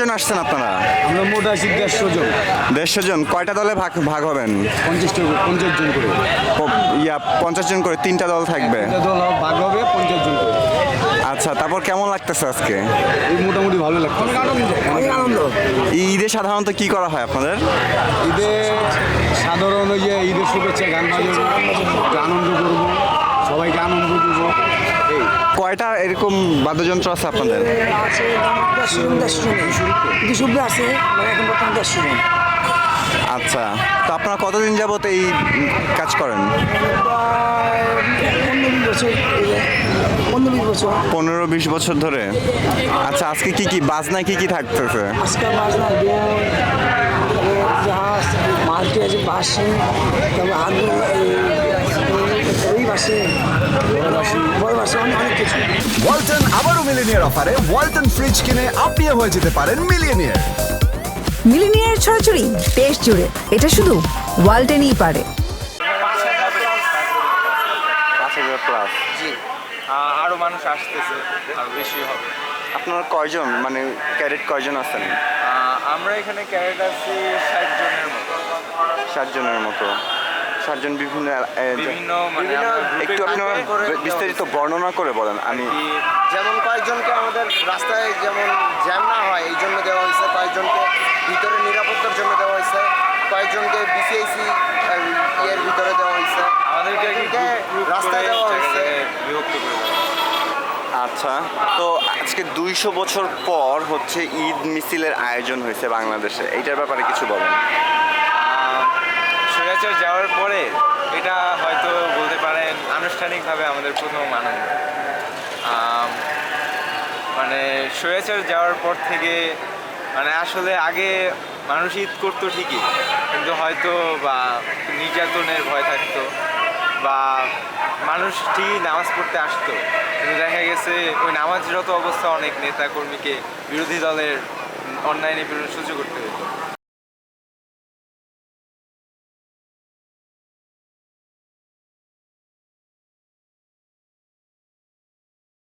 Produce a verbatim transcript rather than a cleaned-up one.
কতজন আসছেন আপনারা? আমরা মোট আছি দেড়শো জন। দেড়শো জন। কয়টা দলে ভাগ ভাগ হবেন? পঞ্চাশ পঞ্চাশ জন করে। প- ইয়া পঞ্চাশ জন করে তিনটা দল থাকবে। এটা দল ভাগ হবে পঞ্চাশ জন করে। আচ্ছা, তারপর কেমন লাগতেছে আজকে? এই মোটামুটি ভালো লাগছে। অনেক আনন্দ। এই ঈদে সাধারণত কি করা হয় আপনাদের? ঈদে সাধারণ ওই যে ঈদের শুভেচ্ছা গান বাজাবো, একটু আনন্দ করবো, সবাইকে আনন্দ দেবো এই। কয়টা এরকম বাদ্যযন্ত্র আছে আপনাদের? আছে দেড়শো জন দেড়শো জন দুশো উপরে আছে মানে এখন বর্তমানে দেড়শো জন। আচ্ছা, তো আপনারা কতদিন যাবত এই উম, কাজ করেন? প্রায় পনেরো বিশ বছর এই যে, পনেরো বিশ বছর। পনেরো বিশ বছর ধরে। আচ্ছা, আজকে কি কি বাজনায় কি কি থাকতেছে? আজকাল বাজনা দোল, জাহাজ, মাল্টি আছে, বাসে, তারপর আগুন, এই বাসে, বড় বাসে, অনেক অনেক কিছু। ওয়ালটন আবারও মিলিনিয়ার অফারে ওয়ালটন ফ্রিজ কিনে আপনিও হয়ে যেতে পারেন মিলিয়নিয়ার। মিলিনিয়ার ছড়াছড়ি দেশ জুড়ে, এটা শুধু ওয়ালটেনই পারে। পাঁচ হাজার প্লাস। জি আরও মানুষ আসতেছে, আর বেশি হবে। আপনারা কয়জন, মানে ক্যাডেট কয়জন আছেন? আহ, আমরা এখানে ক্যারেট আছি ষাট জনের মতো। ষাট জনের মতো। ষাট জন বিভিন্ন এ- এ- বিভিন্ন মানে আমরা গ্রুপে একটু আপনারা গ্রুপে করে দেওয়া বিস্তারিত হয়েছে। বর্ণনা করে বলেন। আমি কি যেমন কয়েকজনকে আমাদের রাস্তায় যেমন জ্যাম না হয় এই জন্য দেওয়া হয়েছে, কয়েকজনকে ভিতরে নিরাপত্তার জন্য দেওয়া হয়েছে, কয়েকজনকে বিসিআইসি ইয়ের ভিতরে দেওয়া হয়েছে, আমাদেরকে আর কি কয়েকজনকে গ্রুপ গ্রুপ রাস্তায় করে দেওয়া জায়গায় হয়েছে। জায়গায় বিভক্ত করে দেওয়া হয়েছে। আচ্ছা, তো আজকে দুইশো বছর পর হচ্ছে ঈদ মিছিলের আয়োজন হয়েছে বাংলাদেশে, এইটার ব্যাপারে কিছু বলেন। আহ, স্বৈরাচার যাওয়ার পরে এটা হয়তো বলতে পারেন আনুষ্ঠানিকভাবে আমাদের প্রথম আনন্দ। আম, মানে স্বৈরাচার যাওয়ার পর থেকে মানে আসলে আগে মানুষ ঈদ করতো ঠিকই, কিন্তু হয়তো বা নির্যাতনের ভয় থাকতো বা মানুষ ঠিকই নামাজ পড়তে আসতো, কিন্তু দেখা গেছে ওই নামাজরত অবস্থা অনেক নেতা কর্মীকে বিরোধী দলের অন্যায় নিপীড়ন সহ্য করতে হতো।